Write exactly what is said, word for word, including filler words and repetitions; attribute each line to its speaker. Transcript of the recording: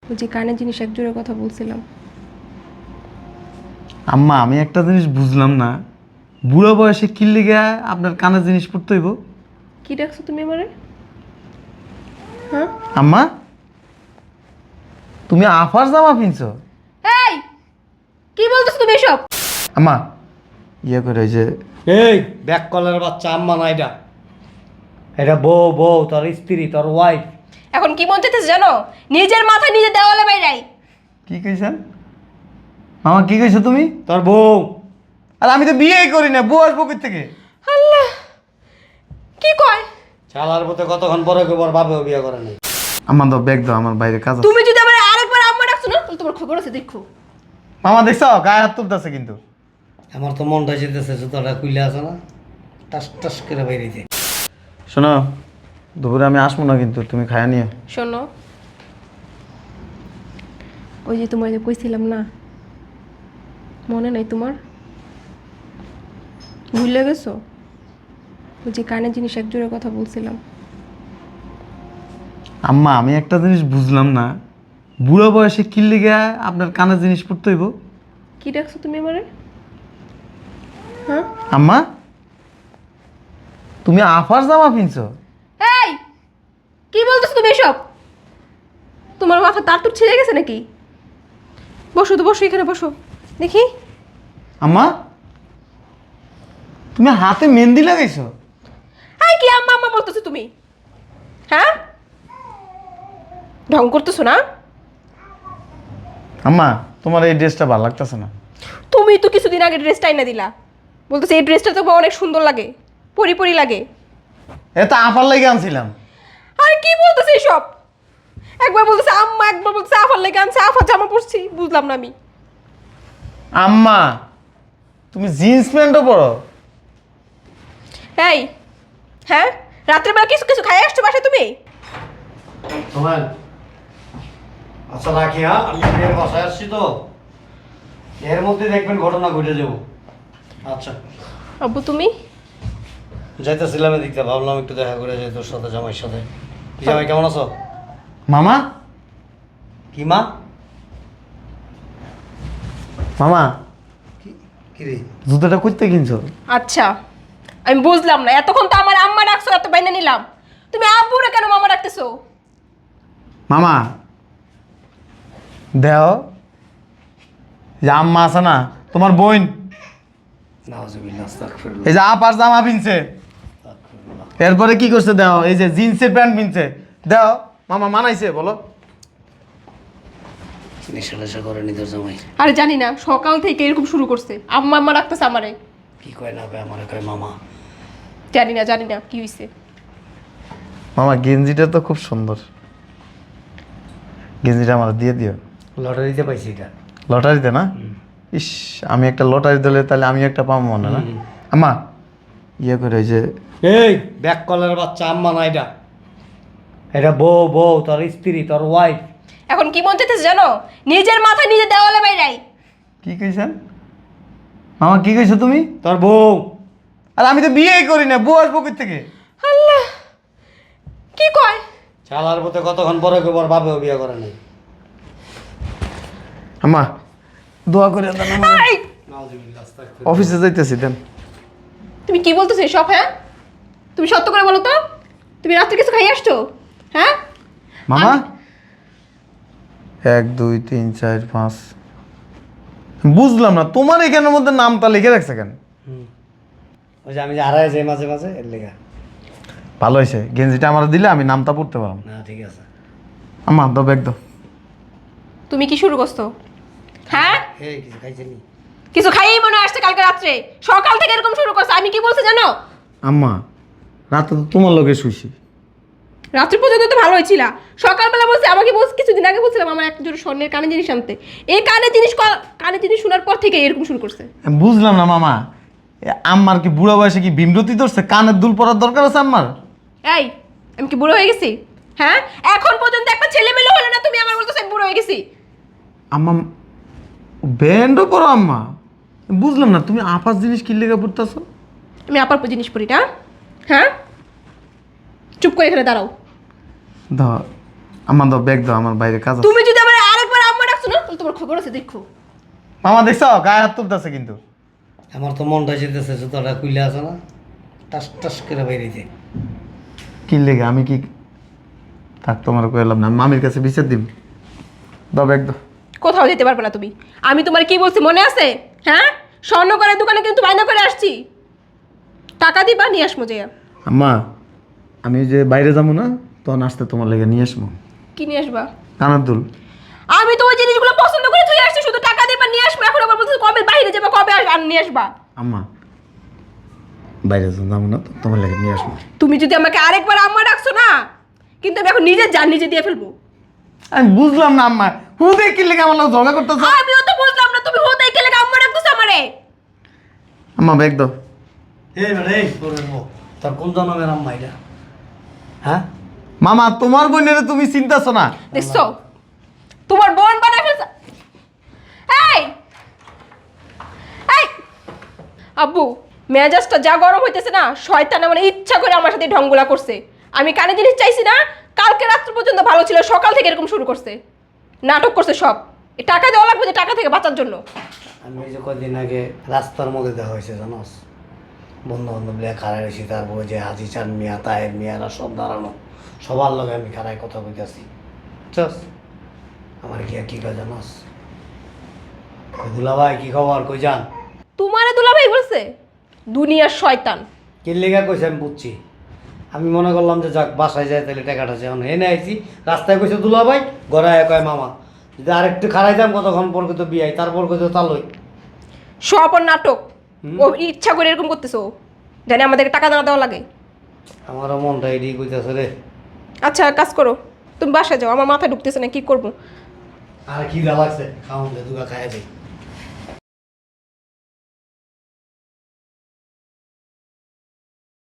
Speaker 1: ওই যে কানের জিনিস এক জোড়া কথা বলছিলাম।
Speaker 2: আম্মা আমি একটা জিনিস বুঝলাম না, বুড়ো বয়সে কি লিগে আপনার কানের জিনিস পড়তে হইব?
Speaker 1: কি ডাকছো তুমি আমারে? হ্যাঁ
Speaker 2: আম্মা তুমি আফার জামা পিনছো?
Speaker 1: এই কি বলতেছো তুমি এসব?
Speaker 2: আম্মা ইয়ে করে ওই যে
Speaker 3: এই ব্যাক কলের বাচ্চা আম্মা না এটা, এটা বউ বউ তোর স্ত্রী তোর ওয়াইফ।
Speaker 1: এখন কি মন চাইতেছে জানো? নিজের মাথা নিজে দেওয়ালে বাইরাই।
Speaker 2: কি কইছেন মামা? কি কইছো তুমি?
Speaker 3: তোর বউ।
Speaker 2: আর আমি তো বিয়েই করি না, বউ আসবো কই থেকে?
Speaker 1: আল্লাহ কি কয়?
Speaker 3: চালার পথে কতক্ষণ পরে কেবল বাপেও বিয়ে করে নাই।
Speaker 2: আমার দাও ব্যাগ দাও, আমার বাইরে কাজ আছে।
Speaker 1: তুমি যদি আমার আরেকবার আম্মা ডাকছো না তাহলে তোমার খবর আছে দেখো।
Speaker 2: মামা দেখছো গায়ে হাত তুলতেছে কিন্তু।
Speaker 3: আমার তো মনটা যেতেছে জুতোটা কুইলে আছে না, টাস টাস করে বাইরেছে।
Speaker 2: শোনো দুপুরে আমি আসবো না কিন্তু তুমি খায়া নিও।
Speaker 1: শোনো ওই যে তোমার যে কইছিলাম না, মনে নাই তোমার? ভুলে গেছো? ওই যে কানের জিনিস এক জোড়া কথা বলছিলাম।
Speaker 2: আম্মা আমি একটা জিনিস বুঝলাম না, বুড়ো বয়সে কি লিগে আপনার কানের জিনিস পড়তে হইব?
Speaker 1: কি ডাকছো তুমি আমারে? হ্যাঁ
Speaker 2: আম্মা তুমি আফার জামা পিনছো?
Speaker 1: এই কি বলতেছো তুমি এসব? তোমার মাথা তার তুর ছিঁড়ে গেছে নাকি? বসো তো, বসো এখানে বসো দেখি।
Speaker 2: আম্মা তুমি হাতে মেহেন্দি লাগাইছো?
Speaker 1: এই কি আম্মা আম্মা বলতেছো তুমি? হ্যাঁ ঢং করতেছো না?
Speaker 2: আম্মা তোমার এই ড্রেসটা ভালো লাগতেছে না।
Speaker 1: তুমি তো কিছুদিন আগে ড্রেসটা এনে দিলা, বলতেছে এই ড্রেসটা তো অনেক সুন্দর লাগে, পরি পরি লাগে।
Speaker 2: এটা আফার লাগে আনছিলাম।
Speaker 1: আর কি বলতেছে এসব? একবার বলতেছে আম্মা, একবার বলতেছে আফার লেগে আনছে, আফার জামা পরছি, বুঝলাম না আমি।
Speaker 2: আম্মা তুমি জিন্স প্যান্টও পরো?
Speaker 1: এই হ্যাঁ রাত্রেবেলা কিছু কিছু খাই আসছো বাসায় তুমি?
Speaker 3: শোনেন, আচ্ছা রাখি, হ্যাঁ আমি বিয়ের বাসায় আসছি তো, এর মধ্যে দেখবেন ঘটনা ঘটে যাবো। আচ্ছা
Speaker 1: আব্বু তুমি?
Speaker 3: যাইতেছিলাম এদিকটা, ভাবলাম একটু দেখা করে যাই তোর সাথে, জামাইয়ের সাথে। কি জামাই কেমন আছো?
Speaker 2: মামা
Speaker 3: কি মা?
Speaker 2: মামা
Speaker 3: কি রে?
Speaker 2: জুতোটা করতে কিনছো?
Speaker 1: আচ্ছা আমি বুঝলাম না, এতক্ষণ তো আমার আম্মা ডাকছো, এত বাইনা নিলাম, তুমি আব্বুরে কেন মামা ডাকতেছো?
Speaker 2: মামা দেও যে আম্মা আছে না তোমার বোন,
Speaker 3: নাউজুবিল্লাহ, আস্তাগফিরুল্লাহ।
Speaker 2: এই যে আপার জামা পিনছে, এরপরে কি করছে দেও, এই যে জিন্সের প্যান্ট পিনছে, দেও মামা মানাইছে বলো?
Speaker 3: নেশা নেশা করে নিতে জামাই।
Speaker 1: আরে জানি না, সকাল থেকে এরকম শুরু করছে, আম্মা আম্মা ডাকতেছে আমারে।
Speaker 3: কি কয় না কয়, আমার কয় মামা।
Speaker 1: জানি না জানি না কি হয়েছে।
Speaker 2: মামা গেঞ্জিটা তো খুব সুন্দর, গেঞ্জিটা আমার দিয়ে দিও।
Speaker 3: লটারিতে পাইছি এটা।
Speaker 2: লটারিতে না? ইস আমি একটা লটারি দিলে তাহলে আমি একটা পাবো মনে না? আম্মা ইয়ে করে ওই যে
Speaker 3: এই ব্যাক কলের বাচ্চা আম্মা না এটা, এটা বউ বউ তোর স্ত্রী তোর ওয়াইফ।
Speaker 1: এখন কি মন চাইতেছে জানো? নিজের মাথা নিজে দেওয়ালে বাইরাই।
Speaker 2: কি কইছেন মামা? কি কইছো তুমি?
Speaker 3: তোর বউ।
Speaker 2: আর আমি তো বিয়েই করি না, বউ আসবো কই থেকে?
Speaker 1: আল্লাহ কি কয়?
Speaker 3: চালার পথে কতক্ষণ পরে কেবল বাপেও বিয়ে করে নাই।
Speaker 2: আম্মা দোয়া করে দেন আমার,
Speaker 1: এই,
Speaker 3: নাউজুবিল্লাহ, আস্তাগফিরুল্লাহ।
Speaker 2: অফিসে যাইতেছি দেন।
Speaker 1: তুমি কি বলতেছো এসব? হ্যাঁ তুমি সত্য করে বলো তো, তুমি রাত্রে কিছু খাই আসছো? হ্যাঁ
Speaker 2: মামা
Speaker 1: আমি-
Speaker 2: এক দুই তিন চার পাঁচ, বুঝলাম না তোমার এখানের মধ্যে নামটা লিখে রাখছে কেন?
Speaker 3: হুম। ওই যে আমি যে হারাই যাই মাঝে মাঝে, এর লেগা।
Speaker 2: ভালো হয়েছে, গেঞ্জিটা আমার দিলে আমি নামটা পড়তে পারলাম।
Speaker 3: না ঠিক আছে।
Speaker 2: আম্মা দাও ব্যাগ দাও।
Speaker 1: তুমি কি শুরু করছো? হ্যাঁ
Speaker 3: এই কিছু খাইছিলি?
Speaker 1: কিছু খাইয়েই মনে হয় আসছে কালকে রাত্রে, সকাল থেকে এরকম শুরু করছো। আমি কি বলছি জানো?
Speaker 2: আম্মা রাতে তো তোমার লগে শুইছি।
Speaker 1: রাত্রি পর্যন্ত তো ভালো হয়েছিল, সকালবেলা বলছে, আমাকে বলছে কিছুদিন আগে বলছিলাম আমার একটা জোড়া স্বর্ণের কানের জিনিস আনতে, এই কানের জিনিস ক- কানের জিনিস শোনার পর থেকে এরকম শুরু করছে।
Speaker 2: আমি বুঝলাম না মামা, এ আম্মার কি বুড়ো বয়সে কি বিমরতি ধরছে? কানের দুল পরার দরকার আছে আম্মার?
Speaker 1: এই আমি কি বুড়ো হয়ে গেছি? হ্যাঁ এখন পর্যন্ত একটা ছেলে মেলে হলো না, তুমি আমার বলতেছো আমি বুড়ো হয়ে গেছি?
Speaker 2: আম্মা ব্যান্ডও পরো আম্মা, বুঝলাম না তুমি আপাস জিনিস কি লেগে পড়তেছো?
Speaker 1: আমি আপার জিনিস পড়ি না? হ্যাঁ চুপ করে এখানে দাঁড়াও।
Speaker 2: দাও আম্মা দাও ব্যাগ দাও, আমার বাইরে কাজ আছে।
Speaker 1: তুমি যদি আমার তোমার খবর আছে দেখো।
Speaker 2: মামা দেখছো গায়ে হাত তুলতেছে কিন্তু।
Speaker 3: আমার তো মনটা যেতেছে জুতোটা খুলে আছে না, টাস টাস করে বেরিয়েছে।
Speaker 2: কি লেগে আমি কি থাক তোমার কইলাম না, মামির কাছে বিচার দিম। দাও ব্যাগ দাও।
Speaker 1: কোথাও যেতে পারবে না তুমি। আমি তোমার কি বলছি মনে আছে? হ্যাঁ, স্বর্ণকারের দোকানে কিন্তু বায়না করে আসছি, টাকা দিবা নিয়ে আসমো যে।
Speaker 2: আম্মা আমি যে বাইরে যাবো না, তখন আসতে তোমার লেগে নিয়ে আসবো।
Speaker 1: কি নিয়ে আসবা?
Speaker 2: কানার দুল।
Speaker 1: আমি তো ওই জিনিসগুলো পছন্দ করে তুই আসছি, শুধু টাকা দিবা নিয়ে আসবো। এখন আবার বলছিস কবে বাইরে যাবা, কবে আস- আর নিয়ে আসবা।
Speaker 2: আম্মা বাইরে যাবো না তো তোমার লেগে নিয়ে আসবো।
Speaker 1: তুমি যদি আমাকে আরেকবার আম্মা ডাকছো না, কিন্তু আমি এখন নিজের জান নিজে দিয়ে ফেলবো।
Speaker 2: আমি বুঝলাম না আম্মা, হুদে কি লেগে আমার লোক ঝগড়া করতেছ?
Speaker 1: আমিও তো বুঝলাম না, তুমি হোদাই গেলে আম্মা ডাকতেছো আমারে।
Speaker 2: আম্মা ব্যাগ দাও।
Speaker 3: এই বেটা এই তোর বউ, তোর কোন জন্মের আম্মা এটা? হ্যাঁ
Speaker 2: মামা তোমার বোনের তুমি চিন্তাছো না?
Speaker 1: দেখছো তোমার বোন বানায় ফেলছে। এই এই আব্বু, মেজাজটা যা গরম হইতেছে না, শয়তান মানে ইচ্ছা করে আমার সাথে ঢঙ্গুলা করছে। আমি কানে জিনিস চাইছি না, কালকে রাত্র পর্যন্ত ভালো ছিল, সকাল থেকে এরকম শুরু করছে, নাটক করছে সব। এই টাকা দেওয়া লাগবে যে টাকা থেকে বাঁচার জন্য।
Speaker 3: আমি এই যে কদিন আগে রাস্তার মধ্যে দেখা হয়েছে জানোস, বন্ধু বান্ধব লিয়া খাড়াই রয়েছি, তারপরে যে হাজি চান মিয়া তায়ের মিয়ারা সব দাঁড়ানো, সবার লগে আমি খাড়ায় কথা বলতেছি। চস আমার কি আর কি কয় জানোস, দুলা ভাই কি খবর, কই যান?
Speaker 1: তোমারে দুলাভাই বলছে? দুনিয়ার শয়তান।
Speaker 3: কি লেগা কইছে আমি বুঝছি। আমি মনে করলাম যে যাক বাসায় যায় তাহলে টাকাটা আছে, এখন এনে আইছি রাস্তায় কইছে দুলা ভাই, ঘরে আয় কয় মামা। যদি আরেকটু খাড়াইতাম কতক্ষণ পর কইতো বিয়াই, তারপর কইতো তালই।
Speaker 1: সব ওর নাটক। ও ইচ্ছা করে এরকম করতেছো, জানি আমাদেরকে টাকা না দেওয়া লাগে।
Speaker 3: আমারও মনটা এদিকে কইতেছে রে।
Speaker 1: আচ্ছা কাজ করো, তুমি বাসায় যাও, আমার মাথায় ঢুকতেছে না, কি করবো।
Speaker 3: আর কি লাগছে খাওয়ান দে দুগা খাইয়া যাই।